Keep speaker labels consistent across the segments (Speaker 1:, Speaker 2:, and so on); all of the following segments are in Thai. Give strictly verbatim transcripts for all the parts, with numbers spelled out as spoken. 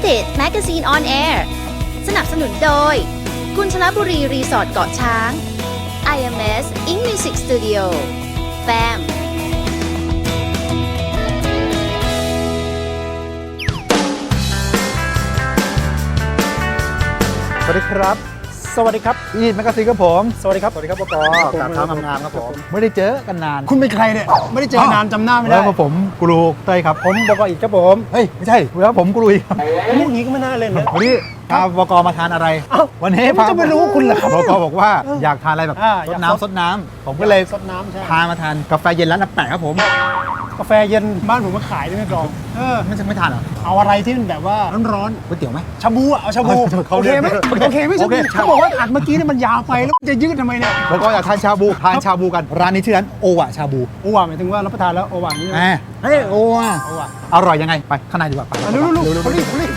Speaker 1: It Magazine on Air สนับสนุนโดยกุญชลบุรีรีสอร์ทเกาะช้าง ไอ เอ็ม เอส Ink Music Studio แฟม
Speaker 2: สวัสดีครับ
Speaker 3: สวัสดีครับ
Speaker 2: อีทแมกกาซีนครับผม
Speaker 3: สวัสดีครับ
Speaker 2: สวัสดีครับปกกราบเท้างามๆครับผมไม่ได้เจอกันนาน
Speaker 3: คุณเป็นใครเนี่ยไม่ได้เจอนานจำหน้าไม่ได้
Speaker 2: แล้วผมกูรูเต้ยครับ
Speaker 3: ผมบกอีกครับผม
Speaker 2: เฮ้ยไม่ใช่แล้วผมกูรูอีก
Speaker 3: มุกนี้ก็ไม่น่าเล่นนะ
Speaker 2: วันนี้พาบกมาทานอะไรวันนี้
Speaker 3: ผมจะไม่รู้คุณเหรอครับ
Speaker 2: บกบอกว่าอยากทานอะไรแบบซดน้ำซดน้ำผมก็เลย
Speaker 3: ซดน้ำใช่
Speaker 2: พามาทานกาแฟเย็นร้านอาแปะครับผม
Speaker 3: กาแฟเย็นบ้านผมมาขายด้วยนะกรอง
Speaker 2: เออไม่ใช่ไม่ทานเหรอ
Speaker 3: เอาอะไรที่มันแบบว่าร้อน
Speaker 2: ก๋วยเตี๋ยวไหม
Speaker 3: ชาบูอ่ะเอาชาบูโอเคไหมโอเคไหมชาบูเขาบอกว่าอัดเมื่อกี้เนี่ยมันยาวไปแล้วจะยืดทำไมเนี่ย
Speaker 2: บกอยากทานชาบูทานชาบูกันร้านนี้ชื่อร้านโอวะชาบู
Speaker 3: โอวะหมายถึงว่ารับประทานแล้วโอวะนี่
Speaker 2: เฮ้ยโอวะอร่อยยังไงไปข้างในดีกว่าไป
Speaker 3: เร็วๆๆรีบรีบ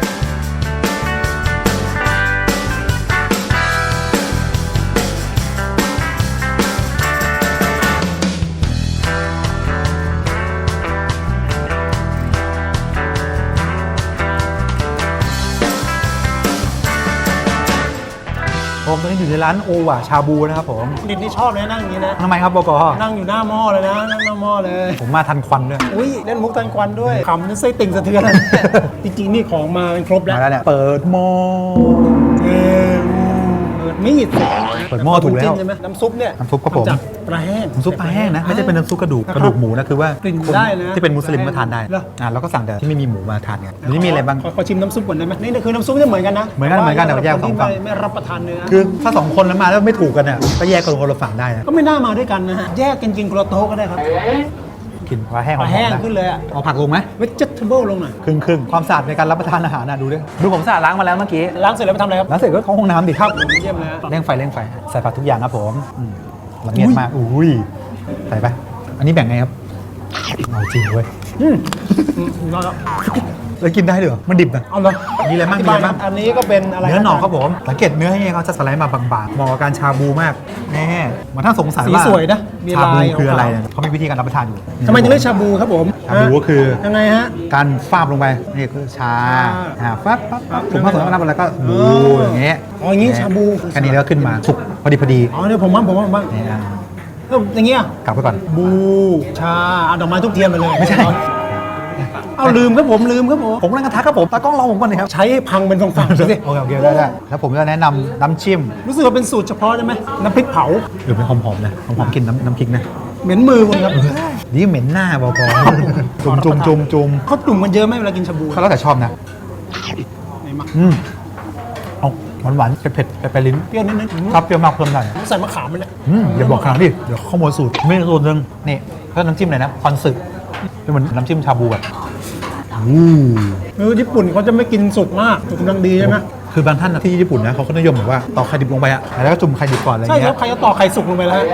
Speaker 2: ผมตอนนี้อยู่ในร้านโอวะชาบูนะครับผม
Speaker 3: ดิดนี่ชอบเลยนั่งอย่างนี้นะ
Speaker 2: ทำไมครับบก
Speaker 3: นั่งอยู่หน้าหม้อเลยนะนั่งหน้าหม้อเลย
Speaker 2: ผมมาทันควันด้วย
Speaker 3: อุ้ยเล่นมุกทันควันด้วยขำนี่ไส้ติ่งสะเทือนจริงๆนี่ของมาครบแล้ว
Speaker 2: มาแล้วเนี่ยเปิดหม้อ
Speaker 3: เออเปิดมีด
Speaker 2: เปิดหม้อถูกแล้ว
Speaker 3: ใช่ไหมน้ำซุปเนี่ย
Speaker 2: น้ำซุปครับผม
Speaker 3: ปลาแห้ง
Speaker 2: น้ำซุปปลาแห้งนะไม่ใช่เป็นน้ำซุปกระดูกกระดูกหมูนะคือว่าที่เป็นมุสลิมก็ทานได้อ่าเราก็สั่งแต่ที่ไม่มีหมูมาทานกันนี่มีอะไรบ้าง
Speaker 3: ขอชิมน้ำซุปก่อนได้ไหมนี่คือน้ำซุปจะเหมือนกันนะ
Speaker 2: เหมือนกันเหมือนกันแต่แยกสองฝั่ง
Speaker 3: ไม่รับประทานเนื้อ
Speaker 2: คือถ้าสองคนแล้วมาแล้วไม่ถูกกันเนี่ยก็แยกคนคนละฝั่งได้นะ
Speaker 3: ก็ไม่น่ามาด้วยกันนะฮะแยกกันกินคนละโต๊ะก็ได้ครับ
Speaker 2: กินปลาแห้ง
Speaker 3: ปลาแห้งขึ้นเลยอ่ะ
Speaker 2: เอาผักลงไหม
Speaker 3: เวจเทเบิลลงหน่อย
Speaker 2: ครึ่งครึ่งความสะอาดในการรับประทานอาหารนะดูด้วยดูผมสะอาดล้างมาแล้วเมื่อกี้
Speaker 3: ล้างเสร็จแล้วไปทำอะไรครับ
Speaker 2: ล้างเสร็จก็เข้าห้องน้ำดิ
Speaker 3: ครับเยี่ยมเลย
Speaker 2: เร่งไฟเร่งไฟใส่ผักทุกอย่างครับผมละเอียดมากอุ้ยใส่ไปอันนี้แบ่งไงครับเอาจริงเว้ย
Speaker 3: อืมนอนแล้ว
Speaker 2: แล้วกินได้เหรอมันดิบนะ
Speaker 3: เอาเลย
Speaker 2: มีอะไรบ้างมีอะไรบ้าง
Speaker 3: อันนี้ก็เป็นอะไร
Speaker 2: เนื้อหน่อครับผมสังเกตเนื้อให้เขาจะสไลด์มาบางๆเหมาะกับการชาบูมากแน่มาถ้าสงสัยว่า
Speaker 3: สีสวยนะ
Speaker 2: ชาบูคืออะไรเขามีวิธีการรับประทานอยู่
Speaker 3: ทำไมถึงเรียกชาบูครับผม
Speaker 2: ชาบูก็คือ
Speaker 3: ยังไงฮะ
Speaker 2: การฟาบลงไปนี่คือชาอ่าฟับปั๊บปั๊บถุงผ้าสวยก็นับอะไรก็บูอย่างเงี้ย
Speaker 3: อ๋ออย่างงี้ชาบู
Speaker 2: แค่นี้แล้วขึ้นมาสุกพอดีพอดี
Speaker 3: อ๋อเดี๋ยวผมบ้างผมบ้างผมบ้างอย่างเงี้ย
Speaker 2: กลับไปก่อน
Speaker 3: บูชาเอาดอกไม้ทุกเทียนไปเลยไม่ใช่เอาลืมครับผมลืมครับผม
Speaker 2: ผมกำลังกระทักครับผมตากล้องรอผมก่อนเลยครับ
Speaker 3: ใช้พังเป็นฝั่งๆสิ
Speaker 2: โอเคโอเคได้ได้แล้วผมจะแนะนำน้ำจิ้ม
Speaker 3: รู้สึกว่าเป็นสูตรเฉพาะใช่ไหมน้ำพริกเผา
Speaker 2: หรือเป็นหอมๆนะหอมๆกินน้ำน้ำพริกนะ
Speaker 3: เหม็นมือคุณครับ
Speaker 2: นี่เหม็นหน้าบกจุ่มจุ่มจุ่มจุ่ม
Speaker 3: เขาจุ่มกันเยอะไหมเวลากินชาบู
Speaker 2: เขาแล้วแต่ชอบนะอืมเอาหวานหวานเผ็ดเผ็ดไปลิ้น
Speaker 3: เปรี้ยวนิดนึง
Speaker 2: ครับเปรี้ยวมากเพิ่มหน่อย
Speaker 3: ใส่มะขามไปเลย
Speaker 2: อย่าบอกขนาดนี้เดี๋ยวข้อมูลสูตรไม่สูตรนึงนี่ถ้าน้ำจิ้มอะไรนะคอนสึเป็นเหมือนน้ำจิ้มชาบูแบบ
Speaker 3: เออญี่ปุ่นเขาจะไม่กินสุกมากสุกกำลังดีใช่ไหม
Speaker 2: คือบางท่านที่ญี่ปุ่นนะเขาก็นิยมแบบว่าตอกไข่ดิบลงไปอะแล้วก็จุ่มไข่ดิบก่อนอะไรเงี้ย
Speaker 3: ใช่ครับใครจะตอกไข่สุกลงไปแล้ว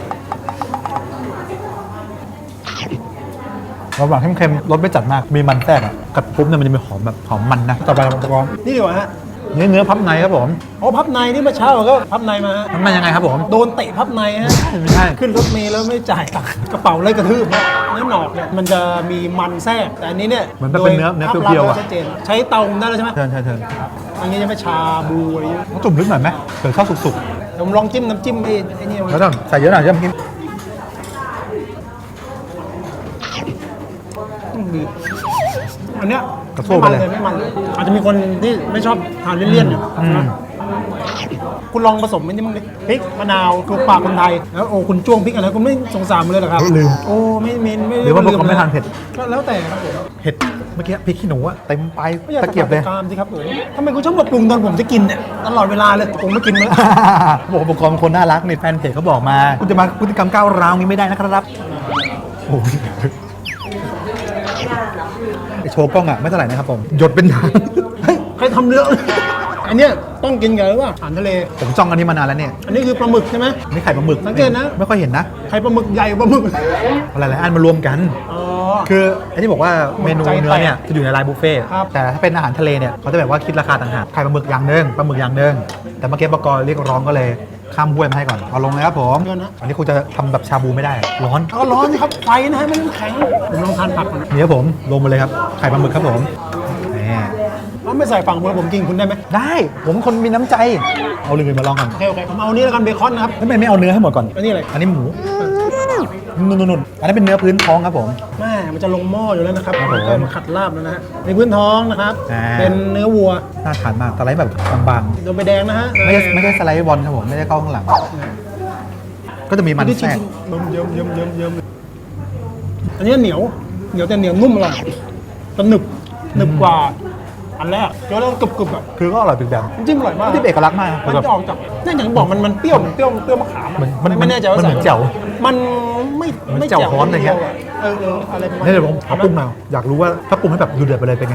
Speaker 2: ระหว่างเค็มๆรสไม่จัดมากมีมันแทรกอะกัดปุ๊บเนี่ยมันจะมีหอมแบบหอมมันนะต่อไปเราลอง
Speaker 3: นี่ดีกว่าฮะ
Speaker 2: เนื้อเนื้อพับในครับผม
Speaker 3: อ๋อพับในนี่เมื่อเช้าก็พับในมา
Speaker 2: พับในยังไงครับผม
Speaker 3: โดนเตะพับในฮะ
Speaker 2: ไม่ใช่
Speaker 3: ขึ้นรถเมล์แล้วไม่จ่ายตังค์กระเป๋าเลยกระทืบเนื้อหนอกเนี่ยมันจะมีมันแทรกแต่อันนี้เนี่ย
Speaker 2: เหมือนเป็นเนื้อเนื้อเปรี้ยวๆอะ
Speaker 3: ชัดเจนใช้เตาได้แล้วใช่ไหม
Speaker 2: เชิญเชิญเชิญ
Speaker 3: อันนี้จะไม่ชาบูอะไรเงี้ย
Speaker 2: ต้องจุ่มลึกหน่อยไหมเผื่อข้าวสุก
Speaker 3: ๆผมลองจิ้มน้ำจิ้มไอ้ไอ้นี่
Speaker 2: แล้วต้องใส่เยอะหน่อยจะมากิน
Speaker 3: อันเนี้ย
Speaker 2: กระโซกไปเลย
Speaker 3: ไม่มันเลยอาจจะมีคนที่ไม่ชอบทานเลี่ยนๆอยู่คุณลองผสมมันนี่มึงพริกมะนาวถูกปากคนไทยแล้วโอ้คุณจ้วงพริกอะไรคุณไม่สงสารเลยหรอครับ
Speaker 2: ลืม
Speaker 3: โอ้ไม่เมนไม่
Speaker 2: หรือว่าพวกเขาไม่ทานเผ็ด
Speaker 3: ก็แล้วแต่ครับผม
Speaker 2: เผ็ดเมื่อกี้พริกขี้หนูอะเต็มไปตะเกียบเลย
Speaker 3: ตามสิครับผมทำไมคุณชอบมาปรุงตอนผมจะกินเนี่ยตลอดเวลาเลยผมไม่กินเลย
Speaker 2: บอกบอกเป็นคนน่ารักในแฟนเพจเขาบอกมาคุณจะมาพฤติกรรมก้าวร้าวนี้ไม่ได้นะครับโอ้ยโชว์กล้องอะไม่เท่าไหร่นะครับผมหยดเป็นทาง
Speaker 3: เฮ้ยใครทำเรื่องอันเนี้ยต้องกินกันหรือว่าอาหารทะเล
Speaker 2: ผมจ้องอันนี้มานานแล้วเนี่ย
Speaker 3: อันนี้คือปลาหมึกใช่ไหม
Speaker 2: นี่ไข่ปลาหมึก
Speaker 3: สังเกตนะ
Speaker 2: ไม่ค่อยเห็นนะ
Speaker 3: ไข่ปลาหมึกใหญ่ปลาหมึก
Speaker 2: อะไรหลายอันมารวมกันคือไอ้ที่บอกว่าเมนูเนื้อเนี่ยจะอยู่ในไลน์บุฟเฟ่แต่ถ้าเป็นอาหารทะเลเนี่ยเขาจะแบบว่าคิดราคาต่างหากไข่ปลาหมึกอย่างนึงปลาหมึกอย่างนึงแต่เมื่อกี้บก.เรียกร้องก็เลยข้ามห้วยมาให้ก่อนเอาลงเลยครับผมอันนี้คุณจะทำแบบชาบูไม่ได้ร้อน
Speaker 3: ก็ร้อนสิครับไฟนะฮะไม่ต้องแข็งผมลองทานผักก่อน
Speaker 2: นี่ครับผมลงมาเลยครับไข่ปลาหมึกครับผมนี่
Speaker 3: เขาไม่ใส่ฝั่งบนผมกินคุณได้ไหม
Speaker 2: ได้ผมเป็นคนมีน้ำใจเอาเลยมาลองกัน
Speaker 3: โอเคโอเคผมเอานี้แล้วกันเบคอนนะครับ
Speaker 2: ทำไมไม่เอาเนื้อให้หมดก่อน
Speaker 3: อันนี้อะไร
Speaker 2: อันนี้หมูนุ่นๆอันนี้เป็นเนื้อพื้นท้องครับผม
Speaker 3: แม่มันจะลงหม้ออยู่แล้วนะครับ
Speaker 2: ครับผม
Speaker 3: ก็มาขัดลาบแล้วนะฮะในพื้นท้องนะครับ
Speaker 2: อ่า
Speaker 3: เป็นเนื้อวัว
Speaker 2: น่าทานมากสไลด์แบบบาง
Speaker 3: โดนไปแดงนะฮะ
Speaker 2: ๆไม่ได้ไม่ได้สไลด์บอลครับผมไม่ได้เข้าข้างหลัง ก็จะมีมัน
Speaker 3: ที่จริ
Speaker 2: แท
Speaker 3: ง
Speaker 2: รก
Speaker 3: ๆเยิ้มเยิ้มเยิ้มเยิ้มอันนี้เหนียวเหนียวแต่เหนียวนุ่มอร่อยแต่หนึบหนึบกว่าอันแรกเดี๋ยวเรากรึบๆอ่ะ
Speaker 2: คือก็อร่อยเป็นแบบ
Speaker 3: จิ้มอร่อยมาก
Speaker 2: ที่เป็นเอกลักษณ์มาก
Speaker 3: มัน
Speaker 2: แบบ
Speaker 3: จะออกจากนี่อย่างที่บอกมันมันเปรี้ยวมันเปรี้ยวมันเปรี้ยวมะขามอะ
Speaker 2: มันมัน
Speaker 3: ไม่แน่ใจว่า
Speaker 2: มันเหมือน
Speaker 3: ใส่
Speaker 2: แจ่ว
Speaker 3: มันไม่
Speaker 2: เหมือน
Speaker 3: ไม่
Speaker 2: แจ่วฮ้อนอะไรเงี้ย
Speaker 3: เออเอออะไรประมาณ
Speaker 2: นี่เดี๋ยวผมเอาปรุงมาอยากรู้ว่าถ้าปรุงให้แบบดูเดือดไปเลยเป็นไง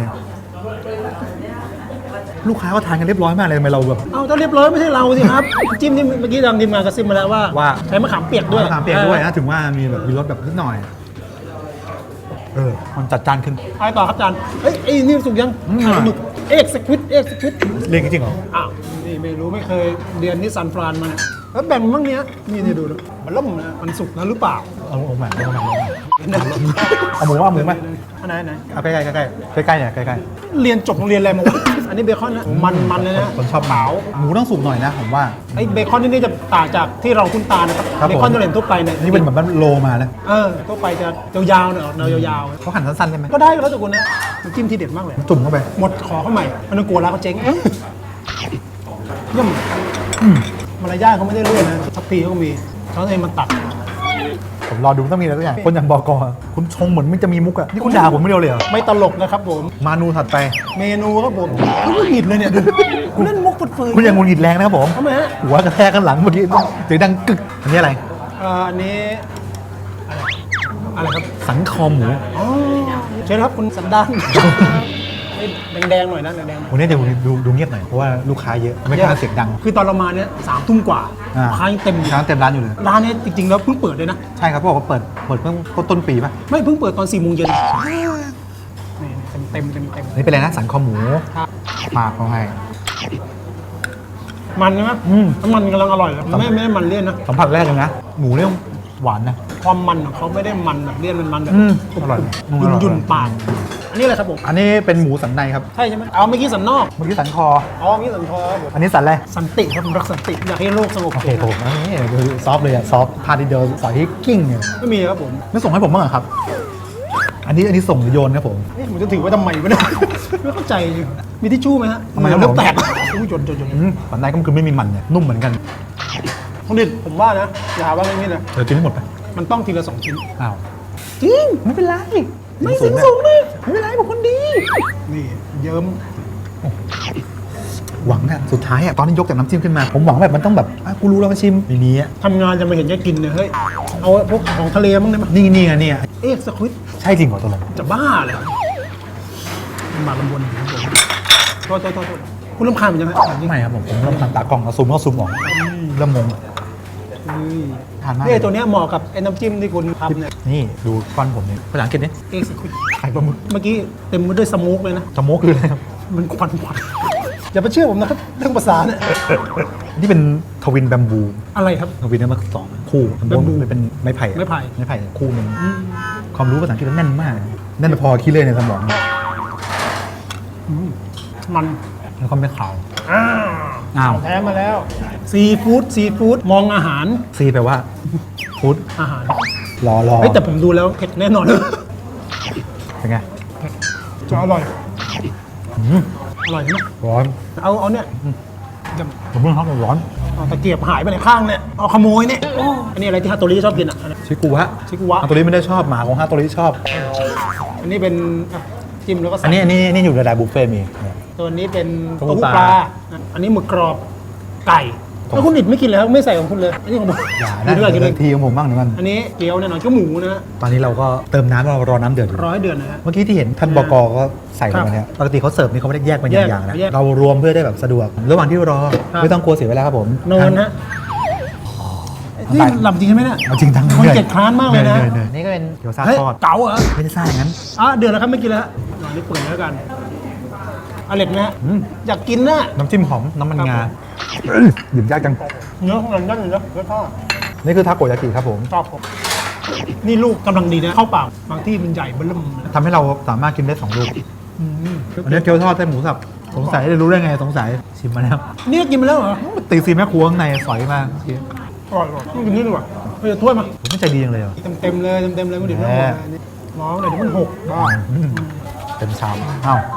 Speaker 2: ลูกค้าก็ทานกันเรียบร้อยมากเลยทำไมเราแบบ
Speaker 3: เอาถ้าเรียบร้อยไม่ใช่เราสิครับ จิ้มนี่เมื่อกี้ทางทีมงานกระซิบมาแล้วว่า
Speaker 2: ว่า
Speaker 3: ใช้มะขามเปียกด้วย
Speaker 2: มะขามเปียกด้วยนะถึงว่ามีแบบมีรสแบบนิดหน่อย เออมันจัดจานขึ้น
Speaker 3: อะไรต่อครับอาจารย์เฮ้ยไอ้นี่สุกยัง
Speaker 2: อืม
Speaker 3: อ่ะหมึกเอ็กซ์ควิดเอ็กซ์ควิด
Speaker 2: เรียนจริงเหรอ
Speaker 3: อ้าวนี่ไม่รู้ไม่เคยเรียนที่ซันฟรานมาเนี่ยแล้วแบ่งมันบ้างเนี้ยนี่นี่ดูนะมันล่มนะมันสุกแล้วหรือเปล่า
Speaker 2: เอาเอาใหม่เอาใหม่เอาหมูว่าหมูไหม
Speaker 3: อันไหนอันไหน
Speaker 2: เอาใกล้ๆใกล้ๆใกล้ๆเนี่ยใกล้
Speaker 3: เรียนจบโรงเรียนอะไรมาวะ อันนี้เบคอนนะมันมันเลยนะ
Speaker 2: ๆคนชอบหมูหมูต้องสุกหน่อยนะผมว่า
Speaker 3: ไอ้เบคอนที่นี่จะต่างจากที่เราคุ้นตานะครับ
Speaker 2: ครับ
Speaker 3: เบคอนที่เราเห็นทั่วไปเนี่ย
Speaker 2: นี่เป็นแบบมันโลมาแล้ว
Speaker 3: เออทั่วไปจะยาวๆหน่อยออกแนวยาว
Speaker 2: เขาหั่นสั้นๆใช่ไหม
Speaker 3: ๆก็ได้แล้วแต่คุณนะน้ำจิ้มที่เด็ดมากเลย
Speaker 2: จุ่มเข้าไป
Speaker 3: หมดขอเข้าใหม่มันต้องกลัวร้านเขาเจ๊งเยี่ยม
Speaker 2: อืม
Speaker 3: มารยาทเขาไม่ได้เลื่อนนะทัพพีเขาก็มีเขาเองมันตัด
Speaker 2: ผมรอดูต้องมีอะไรสักอย่างคนอย่างบอกอคุณชงเหมือนมันจะมีมุกอะนี่คุณด่าผมไม่เดียวเลยเหรอ
Speaker 3: ไม่ตลกนะครับผม
Speaker 2: เมนูถัดไป
Speaker 3: เมนูครับผมคุณไม่หงิดเลยเนี่ยดูคุณเล่นมุกเฟื่อยๆ
Speaker 2: คุณยังงุนหงิดแรงนะครับผม
Speaker 3: ทำไมฮะ
Speaker 2: หัวกระแทกกันหลังเมื่อกี้เสียงดังกึกอันนี้อะไร
Speaker 3: เอ่ออันนี้อะไรอะไรครับ
Speaker 2: สันคอหมู
Speaker 3: อ๋อเชิญครับคุณสันดานแดงๆหน่อยนะแดงๆหน่อย
Speaker 2: วันนี้เดี๋ยวดูดูเงียบหน่อยเพราะว่าลูกค้าเยอะไม่กล้าเสียงดัง
Speaker 3: คือตอนเรามาเนี่ยสามทุ่มกว่า
Speaker 2: อ่า
Speaker 3: ค้ายังเต็มอยู่
Speaker 2: ร้านเต็มร้านอยู่เลย
Speaker 3: ร้านเนี้จริงๆแล้วเพิ่งเปิดเลยนะ
Speaker 2: ใช่ครับเขาบอกว่าเปิดเปิดเพิ่งต้นปีป่ะ
Speaker 3: ไม่เพิ่งเปิดตอนสี่โมงเย็นนี่เต็มเต็มเต็ม
Speaker 2: อันนี้เป็นอะไรนะสันคอหมู
Speaker 3: ครับ
Speaker 2: มากเขาให้
Speaker 3: มันใช่ไหม
Speaker 2: อืม
Speaker 3: น้ำมันกำลังอร่อยเลยไม่ไม่ได้มันเลี่ยนนะ
Speaker 2: สัมผัสแรกเลยนะหมูเนี่ยหวานนะ
Speaker 3: ความมันของเขาไม่ได้มันแบบเลี่ยนมันมันแบบ
Speaker 2: อืมอร่อย
Speaker 3: ยุ่น
Speaker 2: อร่อย
Speaker 3: ยุ่นปากอันนี้อะไรครับผม
Speaker 2: อันนี้เป็นหมูสันในครับ
Speaker 3: ใช่ใช่ไหมเอาเมื่อกี้สันนอก
Speaker 2: เมื่อกี้สันคอ
Speaker 3: อ๋อเมื่อกี้สันคอครับผม
Speaker 2: อันนี้สันอะไร
Speaker 3: สันติครับผมรักสันติอยากให้โลกสงบ
Speaker 2: โอเคผมอันนี้ดูซอฟต์เลยอะซอฟต์พาทีเดียวสอยให้กิ้งเนี่ย
Speaker 3: ไม่มีครับผม
Speaker 2: ไม่ส่งให้ผมบ้างเหรอครับ อันนี้อันนี้ส่งหรือโยนครับผม
Speaker 3: นี่ผมจะถือไว้ทำไมวะเนี่ย ไม่เข้าใจมีทิชชู่ไหมฮะ
Speaker 2: ทำไมครับ
Speaker 3: เดี๋ยว
Speaker 2: ผม
Speaker 3: แตกอุ้ยจนจนจน
Speaker 2: อืมสันในก็คือไม่มีมันเนี่ยนุ่มเหมือนกัน
Speaker 3: คุณดิดผมว่านะอย่าหาว่าไม่มีนะ
Speaker 2: เดี๋ยวกินให้หมดไป
Speaker 3: มันต้องทีละสองชิ้น
Speaker 2: อ้าว
Speaker 3: จริง
Speaker 2: ไม่เป็นไร
Speaker 3: ไม่สิงสูงเลย
Speaker 2: ไม่เป็นไรผมคนดี
Speaker 3: นี่เยิ้ม
Speaker 2: หวังอะสุดท้ายอะตอนนี้ยกจากน้ำจิ้มขึ้นมา ผมหวังแบบมันต้องแบบอ่ะกูรู้แล้วมาชิมในนี้อะ
Speaker 3: ทำงานจะมาเห็นแกกินเนี่ยเฮ้ยเอาพวกของทะเลมั้งได้ไหม
Speaker 2: นี่นี่ไงเนี่ย
Speaker 3: เอ๊ะสควิด
Speaker 2: ใช่จริงเหรอตัวลง
Speaker 3: จะบ้าเลยมันมาลำบนอยู่ครับผมโทษโทษโทษโทษคุณรำคาญมันยังไง
Speaker 2: ไม่ครับผมผมเริ่มทำตากล้องแล้วซูมก็ซูมออกเริ่มงง ทานมาก
Speaker 3: นี่ไอ้ตัวเนี้ยเหมาะกับไอ้น้ำจิ้มที่คุณทำเนี่ย
Speaker 2: นี่ดูก้อนผมนี่ภาษาอังกฤษนี่
Speaker 3: เอ็กซ์ควิด
Speaker 2: ไข่ปลาหมึก
Speaker 3: เมื่อกี้เต็มไปด้วยสโมกเลยนะ
Speaker 2: สโมกคืออะไรครับ
Speaker 3: มันควันควันอย่าไปเชื่อผมนะครับเรื่องภาษาเนี่ย
Speaker 2: นี่เป็นทวินแบมบู
Speaker 3: อะไรครับ
Speaker 2: ทวินเนี่ยมันสองคู่มัน
Speaker 3: แบมบู
Speaker 2: เป็นไม้ไผ่อะ
Speaker 3: ไม้ไผ่
Speaker 2: ไม้ไผ่คู่หนึงความรู้ภาษาอังกฤษมันแน่นมากแน่นพอคิดเลยในสมอง
Speaker 3: มัน
Speaker 2: แล้วก็ไม่ขาว
Speaker 3: อ้าว
Speaker 2: อ้าว
Speaker 3: แท้มาแล้วซีฟู้ดซีฟู้ดมองอาหาร
Speaker 2: ซีแปลว่าฟู้ด
Speaker 3: อาหาร
Speaker 2: รอรอ
Speaker 3: เฮ้ยแต่ผมดูแล้วเผ็ดแน่นอน
Speaker 2: เป็นไง
Speaker 3: จะอร่อย
Speaker 2: อืม
Speaker 3: อร่อยใช่ไหม
Speaker 2: ร้อน
Speaker 3: เอาเอาเนี่ยจะ
Speaker 2: ผมเพิ่งทำร้อน
Speaker 3: เอาตะเกียบหายไปในข้างเนี่ยเอาขโมยเนี่ยโอ้อันนี้อะไรที่ฮาโตริชอบกินอ่ะอันนี้
Speaker 2: ชิกุวะ
Speaker 3: ชิกุวะ
Speaker 2: ฮาโตริไม่ได้ชอบหมาของฮาโตริชอบ
Speaker 3: อันนี้เป็นอ่ะจิ้มแล้วก็ใส่
Speaker 2: อันนี้อันนี้นี่อยู่ในรายบุฟเฟ่ต์มี
Speaker 3: ตัวนี้เป็น
Speaker 2: เต้า
Speaker 3: เต้า
Speaker 2: หู้
Speaker 3: หู้
Speaker 2: ปลา
Speaker 3: ปลาอ่ะอันนี้หมึกกรอบไก่
Speaker 2: ครับ
Speaker 3: แล้วคุณดิดไม่กินเลยครับไม่ใส่ของคุณเลยอันนี้ของผม
Speaker 2: อย่า
Speaker 3: กิ
Speaker 2: นะ
Speaker 3: นด้วยกิน
Speaker 2: เดี๋
Speaker 3: ด้วย
Speaker 2: วย ทีของผมบ้างหนึ่งมัน
Speaker 3: อันนี้เกี๊ยวแน่นอนเกี๊ยวหมูนะฮะ
Speaker 2: ตอนนี้เราก็เติมน้ำเรารอน้ำเดือดอยู่
Speaker 3: ร้อยเดือนนะฮะ
Speaker 2: เมื่อกี้ที่เห็นท่านบกก็ใส่ลงมาเนี่ยปกติเขาเสิร์ฟนี่เขาไม่ได้แยกเป็น
Speaker 3: แยก
Speaker 2: อย่างๆนะ
Speaker 3: แยก
Speaker 2: เรารวมเพื่อได้แบบสะดวก ระหว่างที่รอ
Speaker 3: ครับ
Speaker 2: ไม่ต้องกลัวเสียเวลาครับผม
Speaker 3: นอนฮะนี่มันหลับจริงใช่ไหมเนี่ย
Speaker 2: เอาจริงจัง
Speaker 3: คนเกลียดคร้านมากเลยนะ
Speaker 2: หอยๆนี่ก็เป็นเกี๊ยวซ่า
Speaker 3: เฮ้ย
Speaker 2: ทอด
Speaker 3: เก๋าเหรอ
Speaker 2: ไม่ได้ซ่าอย่างนั้น
Speaker 3: อ่ะเดือนแล้วครับไม่กินแล้วฮะอันนี้เปิดแล้วกันอร่อยไหมฮะ
Speaker 2: อืม
Speaker 3: อยากกินนะ
Speaker 2: น้ำจิ้มหอมน้ำมันงา
Speaker 3: ครับ
Speaker 2: หยิบยากจัง
Speaker 3: เนื้อของมันนั่นเลยนะเนื้อทอด
Speaker 2: นี่คือทาโกยากิครับผม
Speaker 3: ชอบผมนี่ลูกกำลังดีนะเข้าเปล่าบางที่มันใหญ่เบิ่มนะ
Speaker 2: ทำให้เราสามารถกินได้สองลูก
Speaker 3: อืม
Speaker 2: อันนี้เกี๊ยวทอดไส้หมูสับสงสัยได้รู้ได้ไงสงสัยชิมมาแล้ว
Speaker 3: นี่ก็กินไปแล้วเหรอ
Speaker 2: ตีซีแม่ครัวข้างในสอยมาก
Speaker 3: อร่อยว่ะต้องกินนี่ดีกว่าเฮ้ยถ้วยมา
Speaker 2: ผมไม่ใจดีจังเลยเหรอ
Speaker 3: เต็มเต็มๆเลยเต็มเต็มๆเลยไม่ดื่มไม่หมดเลยนี่น้องเดี๋ยวมันหกบ้า
Speaker 2: อืมเต็มชามอ้าว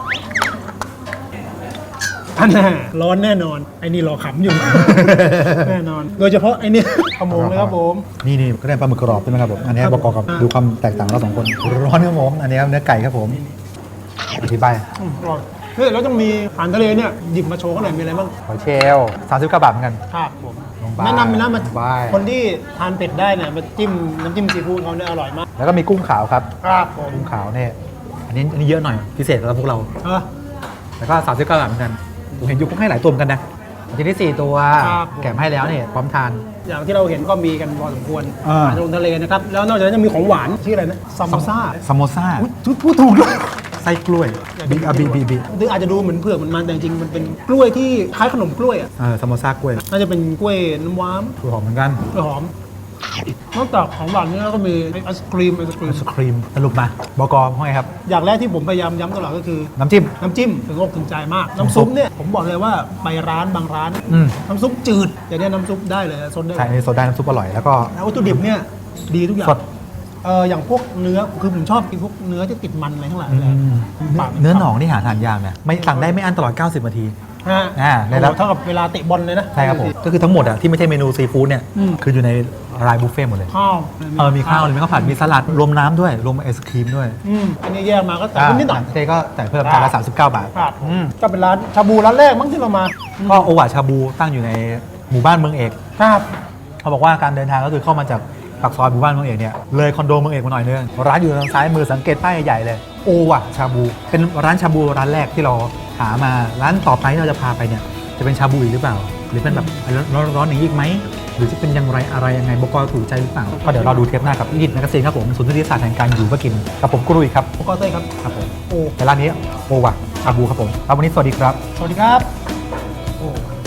Speaker 3: อันน่ะร้อนแน่นอนไอ้นี่รอขำอยู่ แน่นอน โดยเฉพาะไอ้นี่ขโมงเลยครับผม
Speaker 2: นี่นี่ก็ได้ปลาหมึกกรอบใช่ไหมครับผมอันนี้
Speaker 3: ครับ
Speaker 2: ประกอบกับ
Speaker 3: อ่า
Speaker 2: ดูความแตกต่างของเราสองคนร้อนครับผมอันนี้ครับเนื้อไก่ครับผมอธิบาย
Speaker 3: อืมอร่อยเฮ้ยแล้วต้องมีอาหารทะเลเนี่ยหยิบมาโชว์กันหน่อยมีอะไรบ้าง
Speaker 2: หอยเชลล์สามสิบเก้าบาทเหมือนกัน
Speaker 3: ครับผม
Speaker 2: ลงไป
Speaker 3: แนะนำเลยนะมา
Speaker 2: ลงไป
Speaker 3: คนที่ทานเป็ดได้เนี่ยมาจิ้มน้ำจิ้มซีฟู้ดเขาเนี่ยอร่อยมาก
Speaker 2: แล้วก็มีกุ้งขาวครับ
Speaker 3: ครับผม
Speaker 2: กุ้งขาวเนี่ยอันนี้อันนี้เยอะหน่อยพิเศษสำหรับพวกเรา
Speaker 3: เออ
Speaker 2: แล้วก็สามสิบเก้าบาทเหมือนกันผมเห็นยุคให้หลายตัวเหมือนกันนะทีนี้สี่ตัว
Speaker 3: ครับ
Speaker 2: แกะมาให้แล้วเนี่ยพร้อมทาน
Speaker 3: อย่างที่เราเห็นก็มีกันพอสมควร
Speaker 2: อ่า
Speaker 3: อาหารลงทะเลนะครับแล้วนอกจากนั้นยังมีของหวานชื่ออะไรนะซัมโบซ่า
Speaker 2: ซามโมซ่า
Speaker 3: อุ๊ยพูดถูกด้วย
Speaker 2: ไส้กล้วยบีอาบีบีบี
Speaker 3: หรืออาจจะดูเหมือนเผือกเหมือนมันแต่จริงๆมันเป็นกล้วยที่คล้ายขนมกล้วยอ่ะ
Speaker 2: เออซามโมซ่ากล้วย
Speaker 3: น่าจะเป็นกล้วยน้ำว้าม
Speaker 2: กล้วยหอมเหมือนกัน
Speaker 3: กล้วยหอมนอกจากของหวานนี่แล้วก็มีไอศครีมไอศครี
Speaker 2: ไอ
Speaker 3: ม
Speaker 2: ศครีมสรุปมาบกว่าไงครับ
Speaker 3: อย่างแรกที่ผมพยายามย้ำตลอดก็คือ
Speaker 2: น้ำจิ้ม
Speaker 3: น้ำจิ้มถึงอกถึงใจมาก
Speaker 2: น้ำ
Speaker 3: น้ำ
Speaker 2: ซุ
Speaker 3: ซุ
Speaker 2: ป
Speaker 3: ปเนี่ยผมบอกเลยว่าไปร้านบางร้าน
Speaker 2: อืม
Speaker 3: น้ำซุปจืดแต่เนี่ยน้ำซุปได้เลยซดได้
Speaker 2: ใช่อันนี้โซดาน้ำซุปอร่อยแล้วก็
Speaker 3: แล้ววัตถุดิบเนี่ยดีทุกอย่าง
Speaker 2: สด
Speaker 3: เอออย่างพวกเนื้อคือผมชอบกินพวกเนื้อที่ติดมันอะไรทั้งหลาย
Speaker 2: อื
Speaker 3: เลย
Speaker 2: ม
Speaker 3: ปาก
Speaker 2: เนื้อหนองนี่หาทานยากนะไม่สั่งได้ไม่อั้นตลอด เก้าสิบนาที
Speaker 3: ฮะ
Speaker 2: อ่าในระดับ
Speaker 3: โอ้โหเท่ากับเวลาเตะบอลเลยนะ
Speaker 2: ใช่ครับผมก็คือทั้งหมดอะที่ไม่ใช่เมนูซีฟู้ดเนี่ย
Speaker 3: อืม
Speaker 2: คืออยู่ในรายบุฟเฟ่ต์หมดเลย
Speaker 3: ข้าว
Speaker 2: เออมีข้าวเลยมีข้าวผัดมีสลัดรวมน้ำด้วยรวมไอศครีมด้วย
Speaker 3: อืมอันนี้แยกมาก็แต่นิดหน่อย
Speaker 2: เจก็แต่เพิ่มจานละสามสิบเก้าบาท
Speaker 3: ครับ
Speaker 2: อืม
Speaker 3: ก็เป็นร้านชาบูร้านแรกมั้งที่เรามา
Speaker 2: ก็โอวาชาบูตั้งอยู่ในหมู่บ้านเมืองเอก
Speaker 3: ครับ
Speaker 2: เขาบอกว่าการเดินทางก็คือเข้ามาจากปากซอยหมู่บ้านเมืองเอกเนี่ยเลยคอนโดเมืองเอกมาหน่อยนึงร้านอยู่ทางซ้ายมือสังเกตป้ายใหญ่ๆเลยโอวาชาบูเป็นร้านชาบูร้านแรกที่เราหามาร้านต่อไปที่เราจะพาไปเนี่ยจะเป็นชาบูอีกหรือเปล่า หรือเป็นแบบร้อนๆอย่างนี้อีกไหมหรือจะเป็นอยังไรอะไรยังไงบกถูกใจหรือเปล่าก็เดี๋ยวเราดูเทปหน้ากับอีดิทแมกกาซีนครับผมศูนย์วิทยาศาสตร์แห่งการอยู่เพื่อกินกับผมกุรุยครับ
Speaker 3: ผมก็เต้ยครับ
Speaker 2: ครับผม
Speaker 3: โอ้
Speaker 2: ในร้านนี้โอวาชาบูครับผมครับวันนี้สวัสดีครับ
Speaker 3: สวัสดีครับโอ้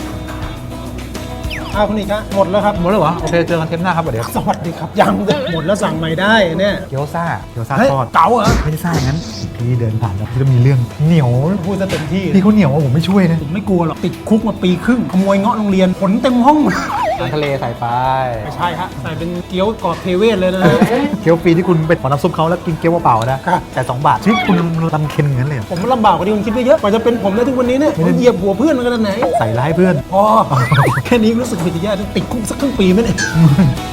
Speaker 3: อ้าวคุณอีกฮะหมดแล้วครับ
Speaker 2: หมดแล้วเหรอโอเคเจอกันเทปหน้าครับเดี๋ยว
Speaker 3: สวัสดีครับยังเลยหมดแล้วสั่งใหม่ได้เนี่ย
Speaker 2: เกี๊ยวซ่าเกี๊ยวซ่า
Speaker 3: เฮ้ย
Speaker 2: ทอด
Speaker 3: เก๋าเหรอ
Speaker 2: ไม่ได้ซ่าอย่างนั้นพี่เดินผ่านแล้วพี่ก็มีเรื่องเหนียว
Speaker 3: พูดซะเต็มที่
Speaker 2: พี่เขาเหนียวว่าผมไม่ช่วยนะ
Speaker 3: ผมไม่กลัวหรอกติดคุกมาปีครึ่งขโมยเงาะโรงเรียนผลเต็มห้อง
Speaker 2: อาหารทะเลใส่ไป
Speaker 3: ไม่ใช่ฮะใส่เป็นเกี๊ยวกรอบเทเวศเลยนะฮะ
Speaker 2: เกี๊ยวฟรีที่คุณไปขอน้ำซุปเขาแล้วกินเกี๊ยวเปล่าๆนะครับ แต่สองบาทชีวิตคุณลำเค็นอย่างนั้นเลยเหรอ
Speaker 3: ผมลำบากกว่าที่คุณคิดไปเยอะกว่าจะเป็นผมได้ทุกวันนี้เนี่ยผมเหยียบหัวเพื่อนมาขนาดไหน
Speaker 2: ใส่ร้ายเพื่อน
Speaker 3: พอแค่นี้รู้สึกผิดแย่ต้องติดคุกสักครึ่งปีไหมเนี่ย